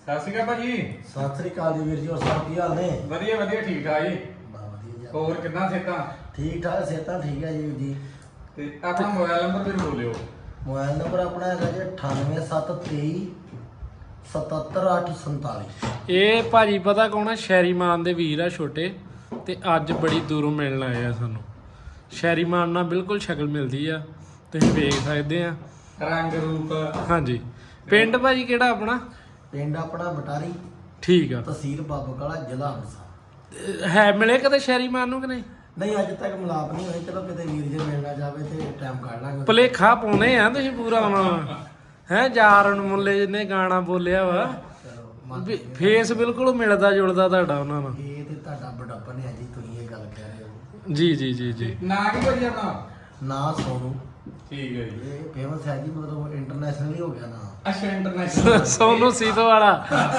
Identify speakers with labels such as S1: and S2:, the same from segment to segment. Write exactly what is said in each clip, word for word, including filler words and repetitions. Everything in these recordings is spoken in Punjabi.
S1: ਸਤਿ ਸ਼੍ਰੀ ਅਕਾਲ ਭਾਜੀ।
S2: ਸਤਿ ਸ੍ਰੀ ਅਕਾਲ ਜੀ ਵੀਰ ਜੀ, ਹੋਰ ਸਭ ਕੀ ਹਾਲ ਨੇ?
S1: ਵਧੀਆ ਵਧੀਆ ਠੀਕ ਠਾਕ ਜੀ।
S2: ਬਾ ਵਧੀਆ ਜੀ।
S1: ਹੋਰ ਕਿੱਦਾਂ ਸਿਹਤਾਂ?
S2: ਠੀਕ ਠਾਕ ਸਿਹਤਾਂ ਠੀਕ ਹੈ ਜੀ ਵੀਰ ਜੀ।
S1: ਤੇ ਆਪਣਾ ਮੋਬਾਈਲ ਨੰਬਰ ਵੀ ਬੋਲਿਓ।
S2: ਮੋਬਾਈਲ ਨੰਬਰ ਆਪਣਾ ਹੈਗਾ ਜੀ ਅਠਾਨਵੇਂ ਸੱਤ ਤੇਈ ਸਤੱਤਰ ਅੱਠ ਸੰਤਾਲੀ।
S3: ਇਹ ਭਾਜੀ ਪਤਾ ਕੌਣ ਆ? ਸ਼ੈਰੀਮਾਨ ਦੇ ਵੀਰ ਆ ਛੋਟੇ, ਤੇ ਅੱਜ ਬੜੀ ਦੂਰੋਂ ਮਿਲਣ ਆਏ ਆ ਸਾਨੂੰ। ਸ਼ੈਰੀਮਾਨ ਨਾਲ ਬਿਲਕੁਲ ਸ਼ਕਲ ਮਿਲਦੀ ਆ, ਤੁਸੀਂ ਵੇਖ ਸਕਦੇ ਆ
S1: ਰੰਗ ਰੂਪ।
S3: ਹਾਂਜੀ। ਪਿੰਡ ਭਾਜੀ ਕਿਹੜਾ ਆਪਣਾ?
S2: ਪਿੰਡ ਆਪਣਾ ਬਟਾਰੀ,
S3: ਠੀਕ ਆ।
S2: ਤਹਿਸੀਲ ਬਾਬੂਗਾਲਾ, ਜ਼ਿਲ੍ਹਾ ਅੰਮ੍ਰਿਤਸਰ।
S3: ਹੈ ਮਿਲੇ ਕਦੇ ਸ਼ੈਰੀਮਾਨ ਨੂੰ ਕਿ ਨਹੀਂ?
S2: ਨਹੀਂ ਅੱਜ ਤੱਕ ਮਿਲਾਪ ਨਹੀਂ ਹੋਈ, ਚਲੋ ਕਿਤੇ ਵੀਰ ਜੀ ਮਿਲਣਾ ਜਾਵੇ ਤੇ ਟਾਈਮ ਕੱਢ ਲਾਂਗੇ।
S3: ਭੁਲੇਖਾ ਪਾਉਣੇ ਆ ਤੁਸੀਂ ਪੂਰਾ ਹੁਣ ਹੈ। ਯਾਰ ਨੂੰ ਮੁੱਲੇ ਜਿਹਨੇ ਗਾਣਾ ਬੋਲਿਆ ਵਾ,
S2: ਚਲੋ ਮੰਨ
S3: ਵੀ ਫੇਸ ਬਿਲਕੁਲ ਮਿਲਦਾ ਜੁਲਦਾ ਤੁਹਾਡਾ ਉਹਨਾਂ ਨਾਲ।
S2: ਇਹ ਤੇ ਤੁਹਾਡਾ ਬੜਾਪਨ ਹੈ ਜੀ, ਤੁਸੀਂ ਇਹ ਗੱਲ ਕਹਿ ਰਹੇ ਹੋ।
S3: ਜੀ ਜੀ ਜੀ ਜੀ।
S1: ਨਾਂ ਕੀ ਭਾਜੀ ਆਪਣਾ?
S2: ਨਾਂ ਸੋਨੂ।
S1: ਠੀਕ ਹੈ ਜੀ।
S2: ਇਹ ਫੇਮਸ ਹੈ ਜੀ, ਮਤਲਬ ਇੰਟਰਨੈਸ਼ਨਲ ਹੀ ਹੋ ਗਿਆ ਨਾਂ।
S1: ਅੱਛਾ ਇੰਟਰਨੈਸ਼ਨਲ।
S3: ਸੋਨੂ ਸੀਤੋ ਵਾਲਾ।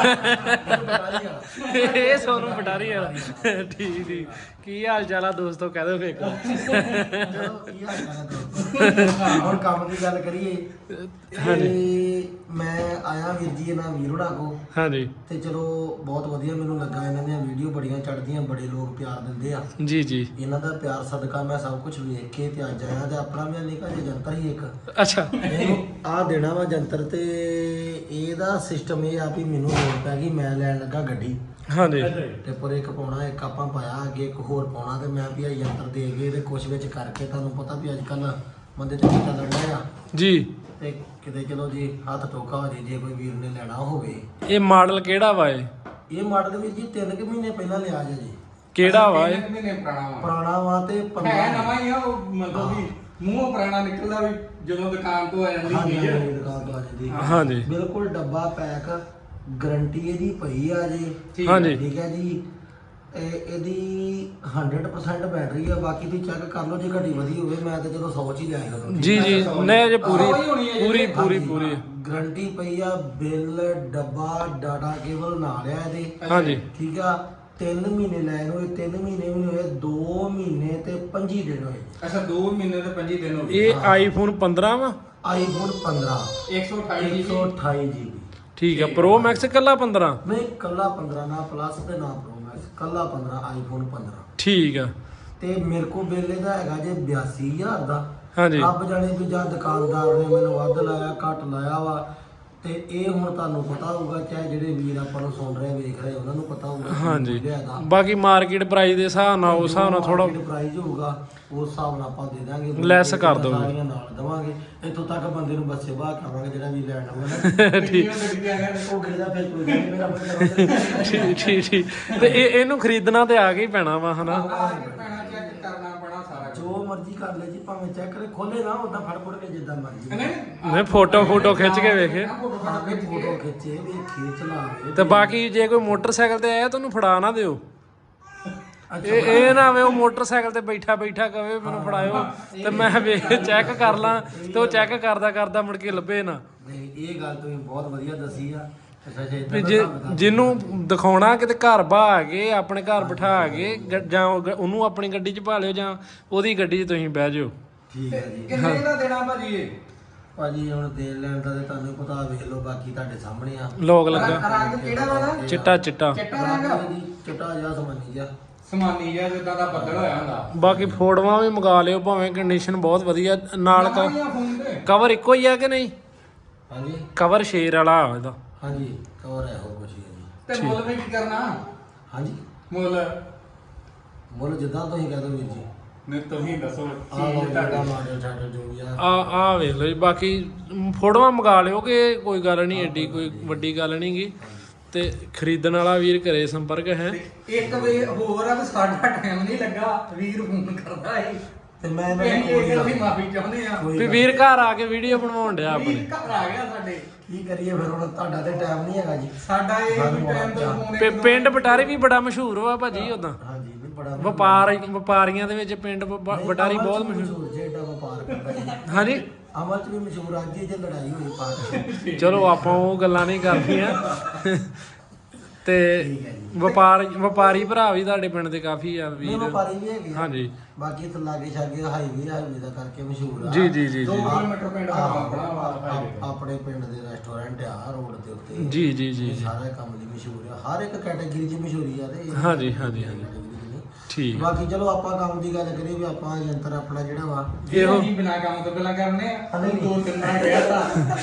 S2: ਬਟਾਰੀ ਆ।
S3: ਇਹ ਸੋਨੂ ਪਟਾਰੀ ਵਾਲਾ। ਠੀਕ ਠੀਕ। ਕੀ ਹਾਲ ਚਾਲ ਆ ਦੋਸਤੋ? ਕਹਿ ਦਿਓ ਫੇਰ।
S2: ਚਲੋ ਕੀ ਹਾਲ ਚਾਲ ਹੈ ਦੋਸਤੋ? ਹੁਣ ਕੰਮ ਦੀ ਗੱਲ ਕਰੀਏ ਤੇ ਮੈਂ ਆਇਆ ਵੀਰ ਜੀ ਇਹਨਾਂ ਵੀਰ ਹੋਣਾ ਕੋ,
S3: ਹਾਂਜੀ
S2: ਤੇ ਚਲੋ ਬਹੁਤ ਵਧੀਆ ਮੈਨੂੰ ਲੱਗਾ। ਇਹਨਾਂ ਦੀਆਂ ਵੀਡੀਓ ਬੜੀਆਂ ਚੜ੍ਹਦੀਆਂ, ਬੜੇ ਲੋਕ ਪਿਆਰ ਦਿੰਦੇ ਆ।
S3: ਜੀ ਜੀ।
S2: ਇਹਨਾਂ ਦਾ ਪਿਆਰ ਸਦਕਾ ਮੈਂ ਸਭ ਕੁਝ ਵੇਖ ਕੇ ਤੇ ਅੱਜ ਆਇਆ, ਤੇ ਆਪਣਾ ਵੀ ਨਿੱਕਾ ਜਿਹਾ ਜੰਤਰ ਹੀ ਇੱਕ
S3: ਅੱਛਾ।
S2: ਇਹਨੂੰ ਆ ਦੇਣਾ ਵਾ ਜੰਤਰ। ਤੇ ਇਹਦਾ ਸਿਸਟਮ ਇਹ ਆ ਵੀ ਮੈਨੂੰ ਲੋੜ ਪੈ ਗਈ, ਮੈਂ ਲੈਣ ਲੱਗਾ ਗੱਡੀ।
S3: ਹਾਂਜੀ
S2: ਟਿੱਪਰ ਇੱਕ ਪਾਉਣਾ, ਇੱਕ ਆਪਾਂ ਪਾਇਆ, ਅੱਗੇ ਇੱਕ ਹੋਰ ਪਾਉਣਾ, ਤੇ ਮੈਂ ਵੀ ਆ ਯੰਤਰ ਦੇ ਕੇ ਤੇ ਕੁਛ ਵਿੱਚ ਕਰਕੇ, ਤੁਹਾਨੂੰ ਪਤਾ ਵੀ ਅੱਜ ਕੱਲ ਬੰਦੇ ਤੇ ਕਿੱਦਾਂ ਲੜਨਾ ਆ,
S3: ਜੀ।
S2: ਤੇ ਕਿਤੇ ਚਲੋ ਜੀ ਹੱਥ ਟੋਕਾ ਹੋ ਜੇ, ਜੇ ਕੋਈ ਵੀਰ ਨੇ ਲੈਣਾ ਹੋਵੇ।
S3: ਇਹ ਮਾਡਲ ਕਿਹੜਾ ਵਾ? ਇਹ
S2: ਇਹ ਮਾਡਲ ਵੀ ਜੀ ਤਿੰਨ ਕੁ ਮਹੀਨੇ ਪਹਿਲਾਂ ਲਿਆ ਜੇ ਜੀ।
S3: ਕਿਹੜਾ ਵਾ ਇਹ?
S1: ਤਿੰਨ ਮਹੀਨੇ ਪੁਰਾਣਾ ਵਾ।
S2: ਪੁਰਾਣਾ ਵਾ ਤੇ
S1: ਹੈ
S2: ਪੰਦਰਾਂ
S1: ਨਵਾਂ ਹੀ ਆ, ਉਹ ਮਤਲਬ ਵੀ ਮੂੰਹੋਂ ਪੁਰਾਣਾ ਨਿਕਲਦਾ ਵੀ ਜਦੋਂ ਦੁਕਾਨ ਤੋਂ ਆ ਜਾਂਦੀ
S2: ਹਾਂਜੀ,
S1: ਚੀਜ਼।
S2: ਹਾਂਜੀ, ਦੁਕਾਨ ਤੋਂ ਆ ਜਾਂਦੀ।
S3: ਹਾਂਜੀ
S2: ਬਿਲਕੁਲ ਡੱਬਾ ਪੈਕ, ਗਾਰੰਟੀ ਇਹਦੀ ਪਈ ਆ ਜੀ।
S1: ਠੀਕ
S3: ਹਾਂਜੀ।
S2: ਠੀਕ ਹੈ ਜੀ। ਇਹ ਇਹਦੀ ਹੰਡਰਡ ਪਰਸੈਂਟ ਬੈਟਰੀ ਆ, ਬਾਕੀ ਤੁਸੀਂ ਚੈੱਕ ਕਰ ਲਓ, ਜੇ ਘਟੀ ਵਧੀ ਹੋਵੇ ਮੈਂ ਤਾਂ ਚਲੋ ਸੌ ਚ ਹੀ ਲਿਆਇਆ ਕਰੂੰ।
S3: ਜੀ ਜੀ। ਨਹੀਂ ਜੇ ਪੂਰੀ
S1: ਆਹੋ ਹੀ ਹੋਣੀ ਹੈ ਜੀ।
S3: ਪੂਰੀ ਪੂਰੀ
S2: ਹਾਂਜੀ,
S3: ਪੂਰੀ।
S2: ਗਾਰੰਟੀ ਪਈ ਆ, ਬਿੱਲ, ਡੱਬਾ, ਡਾਟਾ ਕੇਬਲ ਨਾਲ ਆ ਇਹਦੇ।
S3: ਹਾਂਜੀ
S2: ਠੀਕ ਆ। ਤਿੰਨ ਮਹੀਨੇ ਲੈ ਲਓ, ਇਹ ਤਿੰਨ ਮਹੀਨੇ ਵੀ ਨਹੀਂ ਹੋਏ, ਦੋ ਮਹੀਨੇ ਤੇ ਪੰਜੀ ਦਿਨ ਹੋਏ।
S1: ਅੱਛਾ ਦੋ ਮਹੀਨੇ ਤੇ ਪੰਜੀ ਦਿਨ ਹੋ ਗਏ।
S3: ਇਹ ਆਈਫੋਨ ਪੰਦਰਾਂ ਵਾ?
S2: ਆਈਫੋਨ ਪੰਦਰਾਂ
S1: ਇੱਕ ਸੌ ਅਠਾਈ ਜੀ
S2: ਇੱਕ ਸੌ ਅਠਾਈ ਜੀਬੀ।
S3: ਠੀਕ ਆ। ਪ੍ਰੋ ਮੈਕਸ ਕੱਲਾ ਪੰਦਰਾਂ?
S2: ਨਹੀਂ ਕੱਲਾ ਪੰਦਰਾਂ, ਨਾ ਪਲੱਸ ਤੇ ਨਾ ਪ੍ਰੋ ਮੈਕਸ, ਕੱਲਾ ਪੰਦਰਾਂ, ਆਈਫੋਨ ਪੰਦਰਾਂ।
S3: ਠੀਕ ਆ।
S2: ਤੇ ਮੇਰੇ ਕੋਲ ਬਿੱਲ ਇਹਦਾ ਹੈਗਾ ਜੇ ਬਿਆਸੀ ਹਜ਼ਾਰ ਦਾ।
S3: ਹਾਂਜੀ
S2: ਰੱਬ ਜਾਣੇ ਵੀ ਜਾਂ ਦੁਕਾਨਦਾਰ ਨੇ ਮੈਨੂੰ ਵੱਧ ਲਾਇਆ ਘੱਟ ਲਾਇਆ ਵਾ, ਤੇ ਇਹ ਹੁਣ ਤੁਹਾਨੂੰ ਪਤਾ ਹੋਊਗਾ, ਚਾਹੇ ਜਿਹੜੇ ਵੀਰ ਆਪਾਂ ਨੂੰ ਸੁਣ ਰਹੇ ਵੇਖ ਰਹੇ ਉਹਨਾਂ ਨੂੰ ਪਤਾ ਹੋਊਗਾ।
S3: ਹਾਂਜੀ। ਬਾਕੀ ਮਾਰਕੀਟ ਪ੍ਰਾਈਸ ਦੇ ਹਿਸਾਬ ਨਾਲ ਉਸ ਹਿਸਾਬ ਨਾਲ ਥੋੜਾ
S2: ਪ੍ਰਾਈਸ ਹੋਊਗਾ, ਉਸ ਹਿਸਾਬ ਨਾਲ ਆਪਾਂ ਦੇ ਦਾਂਗੇ,
S3: ਲੈਸ ਕਰ ਦਿਓਗੇ।
S2: ਸਾਰੀਆਂ ਨਾਲ ਦਵਾਂਗੇ। ਇੱਥੋਂ ਤੱਕ ਬੰਦੇ ਨੂੰ ਬੱਸੇ ਬਾਹ ਕਰਾਂਗੇ ਜਿਹੜਾ ਵੀ ਲੈਣ ਆਊਗਾ।
S1: ਠੀਕ
S2: ਉਹ ਕਿਹਦਾ ਫਿਰ ਕੋਈ ਗੱਲ ਨੀ, ਮੇਰਾ ਬੰਦਾ
S3: ਠੀਕ ਠੀਕ ਠੀਕ। ਤੇ ਇਹ ਇਹਨੂੰ ਖਰੀਦਣਾ ਤੇ ਆ ਕੇ ਹੀ ਪੈਣਾ ਵਾ ਹਨਾ?
S1: ਪੈਣਾ ਚੈੱਕ ਕਰਨਾ ਪੈਣਾ ਸਾਰਾ ਕੁਝ।
S2: ਜੋ ਮਰਜ਼ੀ ਕਰ ਲੈ ਜੀ, ਭਾਵੇਂ ਚੈੱਕ ਕਰੇ, ਖੋਲੇ ਨਾ ਉਦਾਂ ਫੜ ਫੜ ਕੇ ਜਿੱਦਾਂ ਮਰਜ਼ੀ।
S3: ਨਹੀਂ ਫੋਟੋ ਫੋਟੋ ਖਿੱਚ ਕੇ ਵੇਖੇ।
S2: ਆਗੇ ਫੋਟੋ ਖਿੱਚੇ ਵੀ ਖੇਚ ਲਾਵੇ।
S3: ਤੇ ਬਾਕੀ ਜੇ ਕੋਈ ਮੋਟਰਸਾਈਕਲ ਤੇ ਆਇਆ ਤੁਹਾਨੂੰ ਫੜਾ ਨਾ ਦਿਓ। ਇਹ ਇਹ ਨਾ ਵੇ ਉਹ ਮੋਟਰਸਾਈਕਲ ਤੇ ਬੈਠਾ ਬੈਠਾ ਕਵੇ ਮੈਨੂੰ ਫੜਾਇਓ ਤੇ ਮੈਂ ਵੇਖ ਚੈੱਕ ਕਰ ਲਾਂ, ਤੇ ਉਹ ਚੈੱਕ ਕਰਦਾ ਕਰਦਾ ਮੁੜ ਕੇ ਲੱਭੇ ਨਾ।
S2: ਨਹੀਂ ਇਹ ਗੱਲ ਤੁਸੀਂ ਬਹੁਤ ਵਧੀਆ ਦੱਸੀ ਆ। ਅੱਛਾ ਜੀ,
S3: ਵੀ ਜੇ ਜਿਹਨੂੰ ਦਿਖਾਉਣਾ ਕਿਤੇ ਘਰ ਬਹਾ ਕੇ ਆਪਣੇ ਘਰ ਬਿਠਾ ਕੇ ਗ- ਜਾਂ ਉਹ- ਉਹਨੂੰ ਆਪਣੀ ਗੱਡੀ 'ਚ ਪਾ ਲਿਓ ਜਾਂ ਉਹਦੀ ਗੱਡੀ 'ਚ ਤੁਸੀਂ ਬਹਿ ਜਾਓ।
S2: ਠੀਕ ਹੈ ਜੀ।
S1: ਕਿੰਨੇ ਦਾ ਦੇਣਾ ਭਾਜੀ ਇਹ?
S2: ਭਾਜੀ ਹੁਣ ਦੇਣ ਲੈਣ ਦਾ ਤੇ ਤੁਹਾਨੂੰ ਪਤਾ, ਵੇਖ ਲਓ, ਬਾਕੀ ਤੁਹਾਡੇ ਸਾਹਮਣੇ ਆ।
S3: ਲੋਕ ਲੱਗਾ
S1: ਰੰਗ ਕਿਹੜਾ ਵਾ ਨਾ?
S3: ਚਿੱਟਾ ਚਿੱਟਾ।
S1: ਚਿੱਟਾ ਰੰਗ
S2: ਜੀ, ਚਿੱਟਾ ਜਿਹਾ ਸਮਾਨੀ ਜਿਹਾ।
S1: ਸਮਾਨੀ ਜਿਹਾ ਜਿੱਦਾਂ ਦਾ ਬੱਦਲ ਹੋਇਆ ਹੁੰਦਾ।
S3: ਬਾਕੀ ਫੋਟੋਆਂ ਵੀ ਮੰਗਾ ਲਿਓ, ਭਾਵੇਂ ਕੰਡੀਸ਼ਨ ਬਹੁਤ ਵਧੀਆ ਨਾਲ
S1: ਨਵਾਂ ਹੀ ਆ ਫੋਨ ਤੇ।
S3: ਕਵਰ ਇੱਕੋ ਹੀ ਆ ਕਿ ਨਹੀਂ?
S2: ਹਾਂਜੀ
S3: ਕਵਰ ਸ਼ੇਰ ਵਾਲਾ ਇਹਦਾ।
S2: ਹਾਂਜੀ ਕਵਰ ਹੈ ਉਹ ਕੁਛ ਹੀ ਹੈ ਜੀ।
S1: ਤੇ ਮੁੱਲ ਵੀ ਕੀ ਕਰਨਾ?
S2: ਹਾਂਜੀ
S1: ਮੁੱਲ
S2: ਮੁੱਲ ਜਿੱਦਾਂ ਤੁਸੀਂ ਕਹਿ ਦੋ ਵੀਰ ਜੀ।
S1: ਨੇ ਤੁਸੀਂ ਦੱਸੋ
S2: ਆਹ ਲਓ
S1: ਚੀਜ਼
S2: ਤੁਹਾਡਾ
S1: ਤੁਹਾਡੀ।
S2: ਮਾਡਲ ਛਾਡਲ ਜੋ ਵੀ ਆ।
S3: ਆ ਆ ਵੇਖ ਲਓ ਜੀ। ਬਾਕੀ ਫੋਟੋਆਂ ਮੰਗਾ ਲਿਓ, ਕਿ ਕੋਈ ਗੱਲ ਨਹੀਂ, ਐਡੀ ਕੋਈ ਵੱਡੀ ਗੱਲ ਨਹੀਂ ਗੀ। ਤੇ ਖਰੀਦਣ ਵਾਲਾ ਵੀਰ ਘਰੇ ਸੰਪਰਕ ਹੈ।
S1: ਇੱਕ ਵੇ ਹੋਰ ਆ ਵੀ ਸਾਡਾ ਟਾਈਮ ਨਹੀਂ ਲੱਗਾ, ਵੀਰ ਫੋਨ ਕਰਦਾ ਏ
S2: ਤੇ ਮੈਂ
S1: ਇਹ ਇਹ ਅਸੀਂ ਮਾਫੀ ਚਾਹੁੰਦੇ ਆ।
S2: ਕੋਈ
S3: ਵੀ
S2: ਗੱਲ
S3: ਵੀਰ ਘਰ ਆ ਕੇ ਵੀਡੀਓ ਬਣਵਾਉਣ ਡਿਆ
S1: ਵੀਰ
S3: ਆਪਣੇ।
S1: ਘਰ ਆ ਗਿਆ ਸਾਡੇ।
S2: ਕੀ ਕਰੀਏ ਫਿਰ, ਹੁਣ ਤੁਹਾਡਾ ਤੇ ਟਾਈਮ ਨਹੀਂ ਹੈਗਾ ਜੀ।
S1: ਸਾਡਾ ਇਹ
S2: ਸਾਨੂੰ
S1: ਟਾਈਮ ਤੋਂ
S2: ਬਹੁਤ
S1: ਫੋਨ
S3: ਪਿ- ਪਿੰਡ ਬਟਾਰੀ ਵੀ ਬੜਾ ਮਸ਼ਹੂਰ ਵਾ ਭਾਜੀ ਉਦਾਂ।
S2: ਹਾਂਜੀ ਵੀ ਬੜਾ
S3: ਵਪਾਰ ਵਪਾਰੀਆਂ ਦੇ ਵਿੱਚ ਪਿੰਡ ਬ- ਬਟਾਰੀ ਬਹੁਤ ਮਸ਼ਹੂਰ।
S2: ਮਸ਼ਹੂਰ ਜੇ ਏਡਾ ਵਪਾਰ ਕਰਦਾ ਜੀ।
S3: ਹਾਂਜੀ
S2: ਅਮਰ ਚ ਵੀ ਮਸ਼ਹੂਰ, ਅੱਜ ਹੀ ਜੇ ਲੜਾਈ ਹੋਈ ਪਾਰ।
S3: ਚਲੋ ਆਪਾਂ ਉਹ ਗੱਲਾਂ ਨਹੀਂ ਕਰਦੀਆਂ। ਤੇ
S2: ਠੀਕ ਹੈ ਜੀ।
S3: ਵਪਾਰ ਵਪਾਰੀ ਭਰਾ ਵੀ ਤੁਹਾਡੇ ਪਿੰਡ ਦੇ ਕਾਫੀ ਆ
S2: ਨਹੀਂ
S3: ਵੀਰ
S2: ਵਪਾਰੀ ਵੀ ਹੈਗੇ ਆ।
S3: ਹਾਂਜੀ
S2: ਬਾਕੀ ਇੱਥੇ ਲਾਗੇ ਛਾਗੇ ਹਾਈਵੇ ਹਾਈਵੇ ਦਾ ਕਰਕੇ ਮਸ਼ਹੂਰ ਆ।
S3: ਜੀ ਜੀ ਜੀ
S1: ਦੋ
S3: ਜੀ
S1: ਕਿਲੋਮੀਟਰ ਪਿੰਡ ਦਾ
S2: ਆਹ,
S1: ਆਪਣਾ ਵਾ
S2: ਆਪ-
S1: highway।
S2: ਆਪਣੇ ਪਿੰਡ ਦੇ ਰੈਸਟੋਰੈਂਟ ਆ ਰੋਡ ਦੇ ਉੱਤੇ।
S3: ਜੀ ਜੀ ਜੀ
S2: ਇਹ ਸਾਰਾ ਕੰਮ ਲਈ ਮਸ਼ਹੂਰ ਆ, ਹਰ ਇੱਕ ਕੈਟਾਗਰੀ 'ਚ ਮਸ਼ਹੂਰੀ ਆ ਤੇ ਇਹ
S3: ਹਾਂਜੀ, ਹਾਂਜੀ, ਹਾਂਜੀ।
S2: category 'ਚ ਨਹੀਂ।
S3: ਠੀਕ
S2: ਬਾਕੀ ਚਲੋ ਆਪਾਂ ਕੰਮ ਦੀ ਗੱਲ ਕਰੀਏ ਵੀ ਆਪਾਂ ਯੰਤਰ ਆਪਣਾ ਜਿਹੜਾ ਵਾ
S3: ਇਹੋ
S1: ਜੀ ਬਿਨਾ ਕੰਮ ਤੋਂ ਪਹਿਲਾਂ ਕਰਨੇ ਆ
S2: ਨਹੀਂ,
S1: ਦੋ ਤਿੰਨ ਨਾਲ ਗਿਆ ਤਾਂ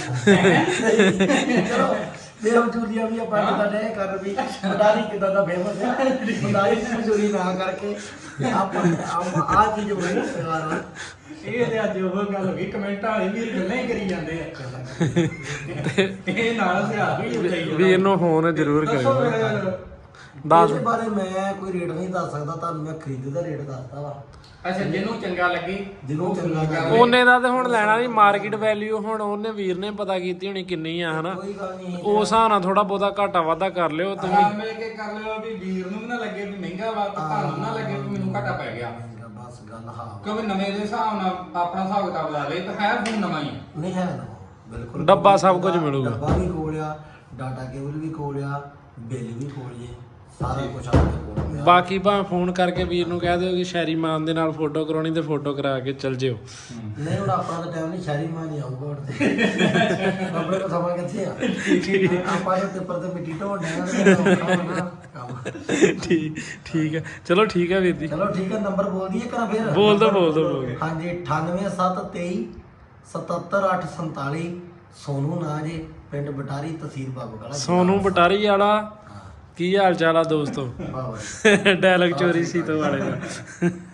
S2: ਚਲੋ ਇਹ ਮਜੂਰੀਆਂ ਵੀ ਆਪਾਂ ਕਿਦਾਂ ਦੇ ਕਰ ਵੀ ਮਦਾਰੀ ਕਿਦਾਂ ਦਾ ਫੇਮਸ ਹੈ ਮਦਾਰੀ ਦੀ ਮਜੂਰੀ ਨਾ ਕਰਕੇ ਆਪਾਂ ਆਪਾਂ ਆ ਚੀਜ਼ ਬਣੀ ਸਰਕਾਰ ਨਾਲ।
S1: ਇਹ ਤੇ ਅੱਜ ਉਹ ਗੱਲ ਹੋ ਗਈ ਕਮੈਂਟਾਂ ਵਾਲੇ ਵੀ ਗੱਲਾਂ ਹੀ ਕਰੀ ਜਾਂਦੇ ਆ ਇਹ ਨਾਲ ਸਿਆਹ ਵੀ ਉੱਤੇ ਹੀ
S3: ਵੀਰ ਨੂੰ ਫੋਨ ਜ਼ਰੂਰ
S1: ਦੱਸੋ
S3: ਕਰਿਓ
S1: ਫਿਰ।
S3: ਦੱਸ
S2: ਇਹਦੇ ਬਾਰੇ ਮੈਂ ਕੋਈ ਰੇਟ ਨਹੀਂ ਦੱਸ ਸਕਦਾ ਤੁਹਾਨੂੰ, ਮੈਂ ਖਰੀਦ ਦਾ ਰੇਟ ਦੱਸਦਾ ਵਾ
S1: ਅੱਛਾ ਜਿਹਨੂੰ ਚੰਗਾ ਲੱਗੇ
S2: ਜਿਹਨੂੰ ਚੰਗਾ ਲੱਗੇ।
S3: ਉਹਨੇ ਦਾ ਤੇ ਹੁਣ ਲੈਣਾ ਨਹੀਂ ਮਾਰਕੀਟ ਵੈਲਿਊ ਹੁਣ ਉਹਨੇ ਵੀਰ ਨੇ ਪਤਾ ਕੀਤੀ ਹੋਣੀ ਕਿੰਨੀ ਆ ਹਨਾ
S2: ਕੋਈ ਗੱਲ ਨਹੀਂ
S3: ਉਸ ਹਿਸਾਬ ਨਾਲ ਥੋੜਾ ਬਹੁਤਾ ਘਾਟਾ ਵਾਧਾ ਕਰ ਲਿਓ ਤੁਸੀਂ
S1: ਹਾਂ ਮਿਲ ਕੇ ਕਰ ਲਿਓ ਵੀ ਵੀਰ ਨੂੰ ਵੀ ਨਾ ਲੱਗੇ ਵੀ ਮਹਿੰਗਾ ਵਾ ਤੇ ਤੁਹਾਨੂੰ ਨਾ ਲੱਗੇ ਵੀ ਮੈਨੂੰ ਘਾਟਾ ਪੈ ਗਿਆ
S2: ਬਸ ਗੱਲ ਹਾਂ
S1: ਕਿਉਂਕਿ ਨਵੇਂ ਦੇ ਹਿਸਾਬ ਨਾਲ ਆਪਣਾ ਹਿਸਾਬ ਕਿਤਾਬ ਲਾ ਲੇ ਤਾਂ ਹੈ ਫੋਨ ਨਵਾਂ ਹੀ ਆ।
S2: ਨਹੀਂ ਹੈ ਨਾ ਬਿਲਕੁਲ
S3: ਡੱਬਾ ਸਭ ਕੁਝ ਮਿਲੂਗਾ।
S2: ਡੱਬਾ ਵੀ ਕੋਲ ਆ, ਡਾਟਾ ਕੇਬਲ ਵੀ ਕੋਲ ਆ, ਬਿੱਲ ਵੀ ਕੋਲ ਜੇ, ਸਾਰਾ ਕੁਝ ਆਪਣੇ ਕੋਲ ਆ।
S3: ਬਾਕੀ ਭਾਵੇਂ ਫੋਨ ਕਰਕੇ ਵੀਰ ਨੂੰ ਕਹਿ ਦਿਓ ਕਿ ਸ਼ੈਰੀ ਮਾਨ ਦੇ ਨਾਲ ਫੋਟੋ ਕਰਾਉਣੀ ਤੇ ਫੋਟੋ ਕਰਾ ਕੇ ਚੱਲ ਜਿਓ
S2: ਨਹੀਂ ਹੁਣ ਆਪਣਾ ਤਾਂ ਟਾਈਮ ਨਹੀਂ, ਸ਼ਹਿਰੀ ਮਾਂ ਨਹੀਂ ਆਊਗਾ ਹੁਣ ਤੇ ਆਪਣੇ ਕੋਲ ਸਮਾਂ ਕਿੱਥੇ ਆ ਆਪਾਂ ਦੇ ਉੱਪਰ ਤੇ ਮਿੱਟੀ ਢੋਣ ਡਿਆ ਤੇ ਔਖਾ ਵਾ ਨਾ ਕੰਮ।
S3: ਠੀਕ ਠੀਕ ਹੈ ਚਲੋ ਠੀਕ ਹੈ ਵੀਰ ਜੀ
S2: ਚਲੋ ਠੀਕ ਹੈ, ਨੰਬਰ ਬੋਲ ਦਈਏ ਕਰਾਂ ਫਿਰ?
S3: ਬੋਲ ਦੋ ਬੋਲ ਦੋ ਬੋਲ ਦਿਓ।
S2: ਹਾਂਜੀ ਅਠਾਨਵੇਂ ਸੱਤ ਤੇਈ ਸਤੱਤਰ ਅੱਠ ਸੰਤਾਲੀ। ਸੋਨੂ ਨਾਂ ਜੇ, ਪਿੰਡ ਬਟਾਰੀ, ਤਹਿਸੀਲ ਬਾਬਾ ਕਲਾ।
S3: ਸੋਨੂ ਬਟਾਰੀ ਵਾਲਾ ਕੀ ਹਾਲ ਚਾਲ ਆ ਦੋਸਤੋ
S2: ਵਾਹ ਵਾਹ।
S3: ਡਾਇਲੌਗ ਚੋਰੀ ਸੀ ਤੋਂ ਵਾਲੇ ਦਾ